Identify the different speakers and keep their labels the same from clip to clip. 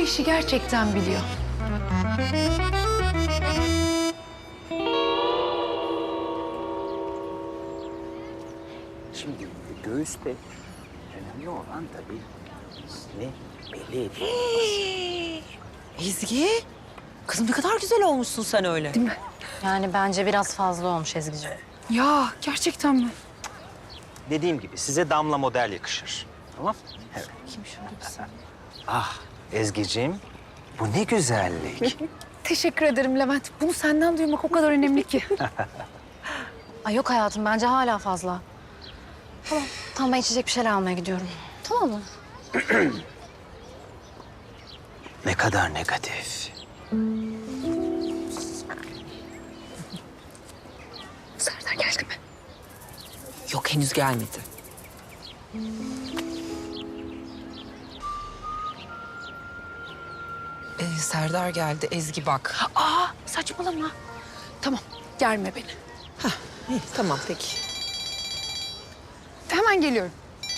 Speaker 1: işi gerçekten biliyor.
Speaker 2: Şimdi göğüste önemli olan tabii ismi belli ediyor.
Speaker 3: Ezgi, kızım ne kadar güzel olmuşsun sen öyle.
Speaker 1: Değil mi?
Speaker 4: Yani bence biraz fazla olmuş Ezgi'ciğim.
Speaker 1: Ya gerçekten mi?
Speaker 2: Dediğim gibi size damla model yakışır. Tamam? Evet.
Speaker 1: Kim şöyle
Speaker 2: Ah Ezgi'ciğim, bu ne güzellik.
Speaker 1: Teşekkür ederim Levent. Bunu senden duymak o kadar önemli ki.
Speaker 4: Ay yok hayatım bence hala fazla. Tamam. Tamam ben içecek bir şeyler almaya gidiyorum. Tamam mı?
Speaker 2: Ne kadar negatif.
Speaker 1: Serdar geldi mi?
Speaker 3: Yok henüz gelmedi. Serdar geldi. Ezgi bak.
Speaker 1: Aa saçmalama. Tamam germe beni.
Speaker 3: İyi, tamam peki.
Speaker 1: Hemen geliyorum.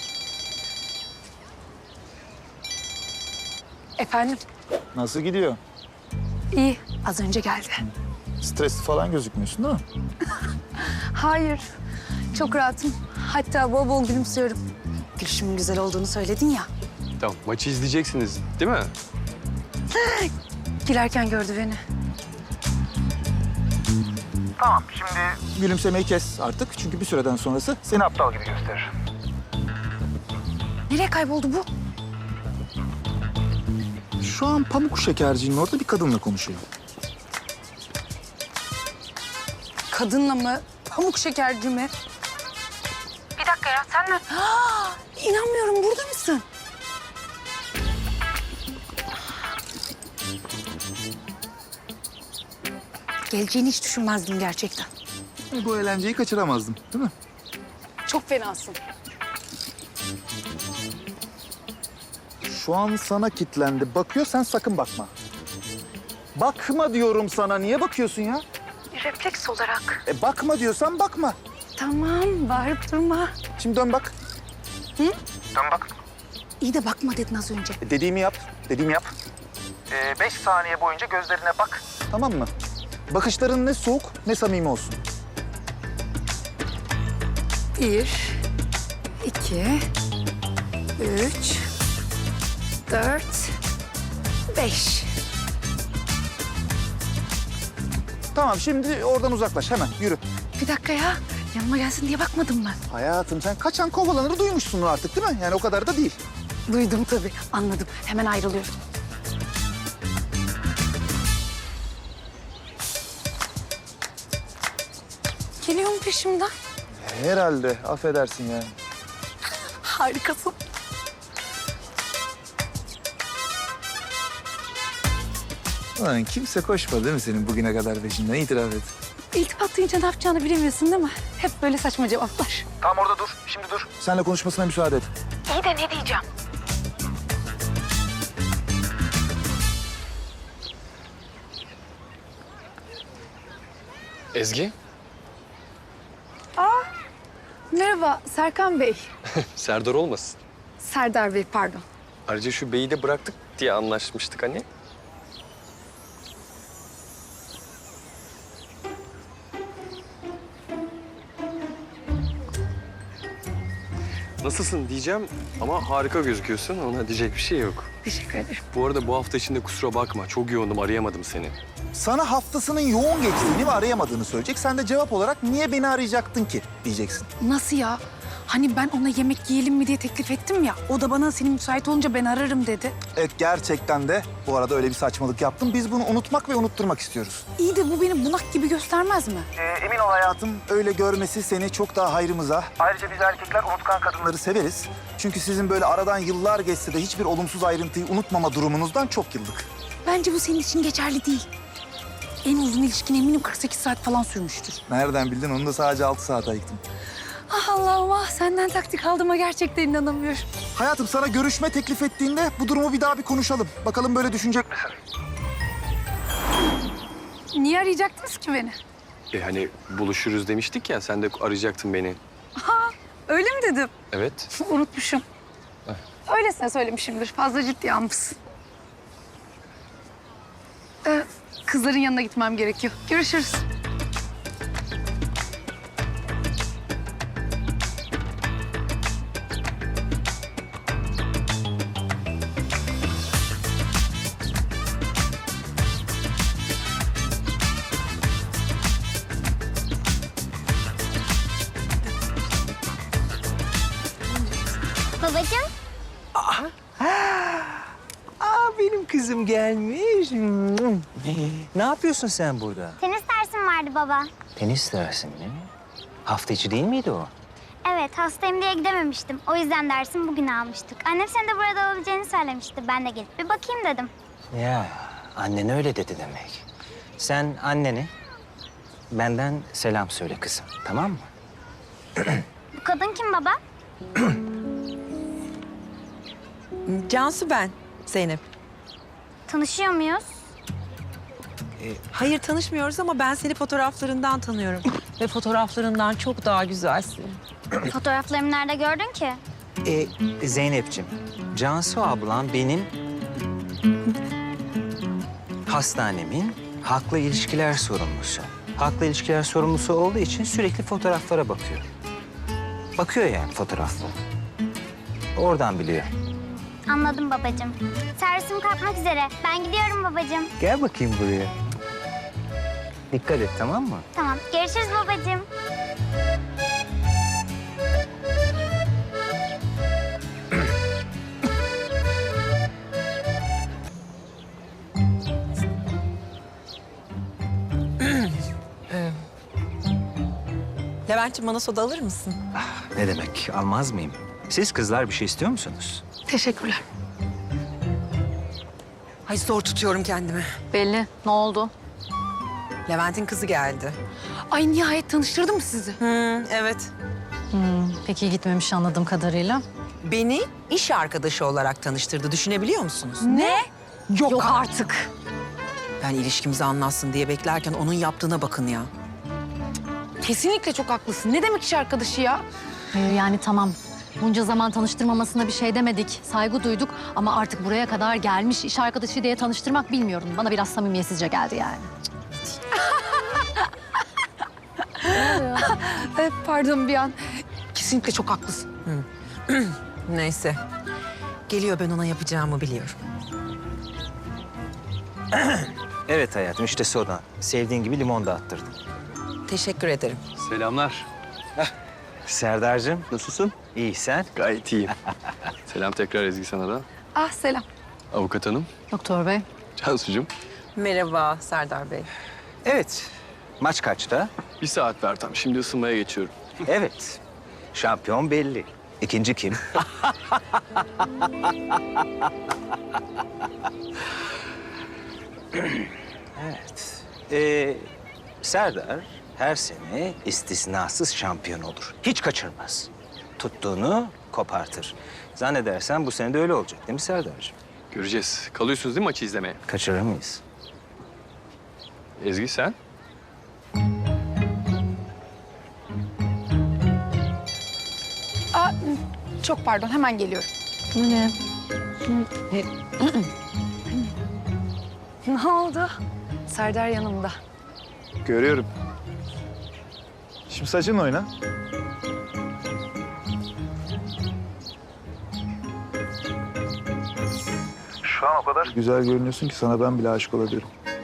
Speaker 1: Efendim?
Speaker 5: Nasıl gidiyor?
Speaker 1: İyi. Az önce geldi.
Speaker 5: Stresli falan gözükmüyorsun değil mi?
Speaker 1: Hayır. Çok rahatım. Hatta bol bol gülümsüyorum. Gülüşümün güzel olduğunu söyledin ya.
Speaker 6: Tamam, maçı izleyeceksiniz değil mi?
Speaker 1: Girerken gördü beni.
Speaker 5: Tamam, şimdi gülümsemeyi kes artık. Çünkü bir süreden sonrası seni aptal gibi gösterir.
Speaker 1: Nereye kayboldu bu?
Speaker 5: Şu an pamuk şekercinin orada bir kadınla konuşuyor.
Speaker 1: Kadınla mı? Pamuk şekerci mi? Bir dakika ya sen mi? İnanmıyorum burada mısın? Geleceğini hiç düşünmezdim gerçekten.
Speaker 5: Bu eğlenceyi kaçıramazdım, değil mi?
Speaker 1: Çok fenasın.
Speaker 5: Şu an sana kitlendi. Bakıyor, sen sakın bakma. Bakma diyorum sana. Niye bakıyorsun ya?
Speaker 1: Refleks olarak.
Speaker 5: Bakma diyorsan bakma.
Speaker 1: Tamam bağırıp durma.
Speaker 5: Şimdi dön bak.
Speaker 1: İyi de bakma dedin az önce.
Speaker 5: Dediğimi yap. Dediğimi yap. 5 saniye boyunca gözlerine bak. Tamam mı? Bakışların ne soğuk ne samimi olsun.
Speaker 1: 1, 2, 3, 4, 5.
Speaker 5: Tamam, şimdi oradan uzaklaş hemen. Yürü.
Speaker 1: Bir dakika ya. Yanıma gelsin diye bakmadın mı?
Speaker 5: Hayatım, sen kaçan kovalanır duymuşsun artık değil mi? Yani o kadar da değil.
Speaker 1: Duydum tabii. Anladım. Hemen ayrılıyorum. Geliyor mu peşimden?
Speaker 5: Herhalde. Affedersin yani.
Speaker 1: Harikasın.
Speaker 5: Ulan kimse koşmadı değil mi senin bugüne kadar peşinden? İtiraf et.
Speaker 1: İltifat duyunca ne yapacağını bilemiyorsun değil mi? Hep böyle saçma cevaplar.
Speaker 5: Tamam, orada dur. Şimdi dur. Seninle konuşmasına müsaade et.
Speaker 1: İyi de ne diyeceğim?
Speaker 6: Ezgi,
Speaker 1: Merhaba Serkan Bey.
Speaker 6: Serdar olmasın.
Speaker 1: Serdar Bey pardon.
Speaker 6: Ayrıca şu beyi de bıraktık diye anlaşmıştık hani. Nasılsın diyeceğim ama harika gözüküyorsun. Ona diyecek bir şey yok.
Speaker 1: Teşekkür ederim.
Speaker 6: Bu arada bu hafta içinde kusura bakma. Çok yoğundum, arayamadım seni.
Speaker 5: Sana haftasının yoğun geçtiğini ve arayamadığını söyleyecek. Sen de cevap olarak niye beni arayacaktın ki diyeceksin.
Speaker 1: Nasıl ya? Hani ben ona yemek yiyelim mi diye teklif ettim ya. O da bana senin müsait olunca ben ararım dedi.
Speaker 5: Evet, gerçekten de bu arada öyle bir saçmalık yaptım. Biz bunu unutmak ve unutturmak istiyoruz.
Speaker 1: İyi de bu beni bunak gibi göstermez mi?
Speaker 5: Emin ol hayatım, öyle görmesi seni çok daha hayrımıza. Ayrıca biz erkekler unutkan kadınları severiz. Çünkü sizin böyle aradan yıllar geçse de hiçbir olumsuz ayrıntıyı unutmama durumunuzdan çok yıllık.
Speaker 1: Bence bu senin için geçerli değil. En uzun ilişkin eminim 48 saat falan sürmüştür.
Speaker 5: Nereden bildin? Onu da sadece 6 saat ayıktım.
Speaker 1: Ah Allah'ım ah senden taktik aldığıma gerçekten inanamıyorum.
Speaker 5: Hayatım, sana görüşme teklif ettiğinde bu durumu bir daha bir konuşalım. Bakalım böyle düşünecek misin?
Speaker 1: Niye arayacaktınız ki beni?
Speaker 6: Hani buluşuruz demiştik ya, sen de arayacaktın beni.
Speaker 1: Öyle mi dedim?
Speaker 6: Evet.
Speaker 1: Unutmuşum. Öylesine söylemişimdir. Fazla ciddiye almışsın. kızların yanına gitmem gerekiyor. Görüşürüz.
Speaker 7: Babacığım,
Speaker 2: Benim kızım gelmiş. Ne yapıyorsun sen burada?
Speaker 7: tenis dersim vardı baba.
Speaker 2: Tenis dersin mi? Hafta içi değil miydi o?
Speaker 7: Evet, hastayım diye gidememiştim. O yüzden dersimi bugün almıştık. Annem senin de burada olabileceğini söylemişti. Ben de gelip bir bakayım dedim.
Speaker 2: Ya annen öyle dedi demek. Sen annene benden selam söyle kızım, tamam mı?
Speaker 7: Bu kadın kim baba?
Speaker 3: Cansu ben, Zeynep.
Speaker 7: Tanışıyor muyuz?
Speaker 3: Hayır tanışmıyoruz ama ben seni fotoğraflarından tanıyorum. Ve fotoğraflarından çok daha güzelsin.
Speaker 7: Fotoğraflarımı nerede gördün ki?
Speaker 2: Zeynep'ciğim, Cansu ablam benim hastanemin haklı ilişkiler sorumlusu. Haklı ilişkiler sorumlusu olduğu için sürekli fotoğraflara bakıyor. Bakıyor yani fotoğraflara. Oradan biliyor.
Speaker 7: Anladım babacığım. Servisim kalkmak üzere. Ben gidiyorum babacığım.
Speaker 2: Gel bakayım buraya. Dikkat et, tamam mı?
Speaker 7: Tamam, görüşürüz babacığım.
Speaker 3: Levent'ciğim bana soda alır mısın?
Speaker 2: Ne demek, almaz mıyım? Siz kızlar bir şey istiyor musunuz?
Speaker 1: Teşekkürler.
Speaker 3: Ay zor tutuyorum kendimi.
Speaker 4: Belli. Ne oldu?
Speaker 3: Levent'in kızı geldi.
Speaker 1: Ay nihayet tanıştırdı mı sizi?
Speaker 3: Evet.
Speaker 4: Pek iyi gitmemiş anladığım kadarıyla.
Speaker 3: Beni iş arkadaşı olarak tanıştırdı. Düşünebiliyor musunuz?
Speaker 1: Ne?
Speaker 3: Yok,
Speaker 4: Artık.
Speaker 3: Ben ilişkimizi anlatsın diye beklerken onun yaptığına bakın ya.
Speaker 1: Kesinlikle çok haklısın. Ne demek iş arkadaşı ya?
Speaker 4: Hayır yani tamam. Bunca zaman tanıştırmamasına bir şey demedik. Saygı duyduk ama artık buraya kadar gelmiş iş arkadaşı diye tanıştırmak bilmiyorum. Bana biraz samimiyetsizce geldi yani.
Speaker 1: Pardon bir an. Kesinlikle çok haklısın.
Speaker 3: Neyse. Geliyor, ben ona yapacağımı biliyorum.
Speaker 2: Evet hayatım, işte soda. Sevdiğin gibi limon da attırdım.
Speaker 3: Teşekkür ederim.
Speaker 6: Selamlar.
Speaker 2: Serdar'cığım,
Speaker 6: Nasılsın?
Speaker 2: iyi sen?
Speaker 6: Gayet iyiyim. Selam tekrar Ezgi sana da.
Speaker 1: Ah selam.
Speaker 6: Avukat hanım,
Speaker 4: Doktor bey.
Speaker 6: Cansucuğum.
Speaker 3: Merhaba Serdar Bey.
Speaker 2: Evet. Maç kaçta?
Speaker 6: 1 saat ver tam. Şimdi ısınmaya geçiyorum.
Speaker 2: Evet. Şampiyon belli. İkinci kim? Evet. Serdar her sene istisnasız şampiyon olur. Hiç kaçırmaz. Tuttuğunu kopartır. Zannedersen bu sene de öyle olacak değil mi Serdar'cığım?
Speaker 6: Göreceğiz. Kalıyorsunuz değil mi maçı izlemeye?
Speaker 2: Kaçırır mıyız?
Speaker 6: Ezgi sen?
Speaker 1: Aa, çok pardon hemen geliyorum.
Speaker 4: Bu ne?
Speaker 1: Ne oldu? Serdar yanımda.
Speaker 5: Görüyorum. Şimdi saçınla oyna. Şu an o kadar güzel görünüyorsun ki sana ben bile aşık olabilirim.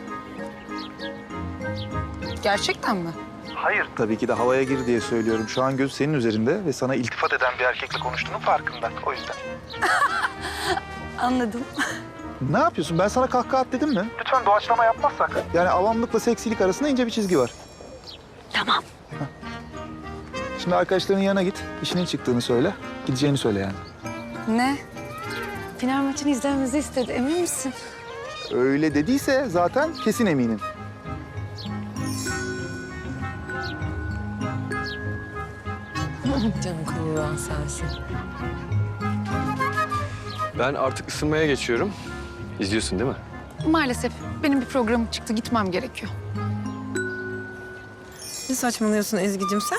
Speaker 1: Gerçekten mi?
Speaker 5: Hayır. Tabii ki de havaya gir diye söylüyorum. Şu an göz senin üzerinde ve sana iltifat eden bir erkekle konuştuğunun farkında. O yüzden.
Speaker 1: Anladım.
Speaker 5: Ne yapıyorsun? Ben sana kahkaha at dedim mi? Lütfen doğaçlama yapmazsak. Yani avamlıkla seksilik arasında ince bir çizgi var.
Speaker 1: Tamam.
Speaker 5: Şimdi arkadaşlarının yanına git. İşinin çıktığını söyle. Gideceğini söyle yani.
Speaker 1: Ne? Final maçını izlememizi istedi. Emin misin?
Speaker 5: Öyle dediyse zaten kesin eminim.
Speaker 3: Canım kıvıran sensin.
Speaker 6: Ben artık ısınmaya geçiyorum. İzliyorsun değil mi?
Speaker 1: Maalesef benim bir programım çıktı. Gitmem gerekiyor.
Speaker 3: Ne saçmalıyorsun Ezgi'cim sen?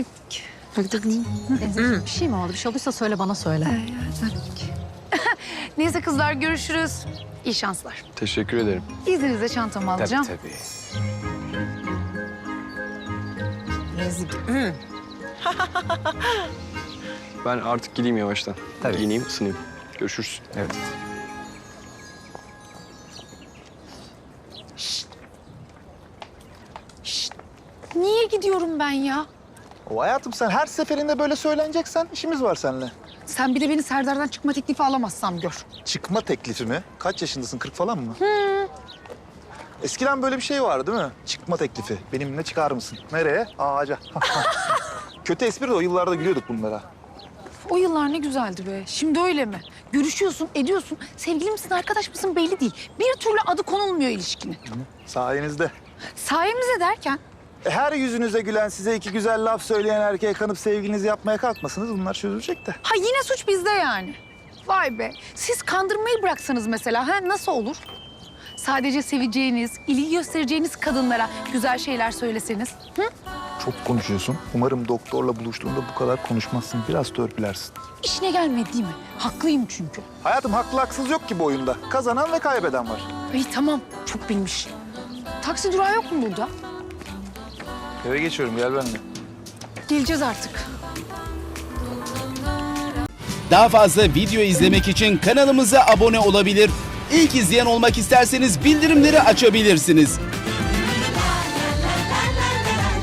Speaker 4: Bir şey mi oldu? Bir şey olduysa söyle bana söyle.
Speaker 1: Neyse kızlar görüşürüz. İyi şanslar.
Speaker 6: Teşekkür ederim.
Speaker 1: İzninizle çantamı alacağım.
Speaker 2: Tabii.
Speaker 3: Yazık.
Speaker 6: Ben artık gideyim yavaştan.
Speaker 2: Tabii.
Speaker 6: Giyineyim, ısınayım. Görüşürüz.
Speaker 2: Evet.
Speaker 1: Niye gidiyorum ben ya?
Speaker 5: O hayatım sen her seferinde böyle söyleneceksen işimiz var seninle.
Speaker 1: Sen bir de beni Serdar'dan çıkma teklifi alamazsam gör.
Speaker 5: Çıkma teklifi mi? Kaç yaşındasın? 40 falan mı? Eskiden böyle bir şey vardı değil mi? Çıkma teklifi. Benimle çıkar mısın? Nereye? Ağaca. Kötü espri de o yıllarda gülüyorduk bunlara.
Speaker 1: O yıllar ne güzeldi be. Şimdi öyle mi? Görüşüyorsun, ediyorsun. Sevgili misin, arkadaş mısın belli değil. Bir türlü adı konulmuyor ilişkinin.
Speaker 5: Sayenizde.
Speaker 1: Sayemizde derken
Speaker 5: Her yüzünüze gülen, size iki güzel laf söyleyen erkeğe kanıp sevgilinizi yapmaya kalkmasınız. Bunlar çözülecek de.
Speaker 1: ha yine suç bizde yani. Vay be. Siz kandırmayı bıraksanız mesela ha nasıl olur? Sadece seveceğiniz, ilgi göstereceğiniz kadınlara güzel şeyler söyleseniz. Hı?
Speaker 5: Çok konuşuyorsun. Umarım doktorla buluştuğunda bu kadar konuşmazsın. Biraz törpülersin.
Speaker 1: İşine gelmedi değil mi? Haklıyım çünkü.
Speaker 5: Hayatım haklı haksız yok ki bu oyunda. Kazanan ve kaybeden var.
Speaker 1: İyi tamam. Çok bilmiş. Taksi durağı yok mu burada?
Speaker 5: Eve geçiyorum, gel benimle.
Speaker 1: Geleceğiz artık.
Speaker 8: Daha fazla video izlemek için kanalımıza abone olabilir. İlk izleyen olmak isterseniz bildirimleri açabilirsiniz.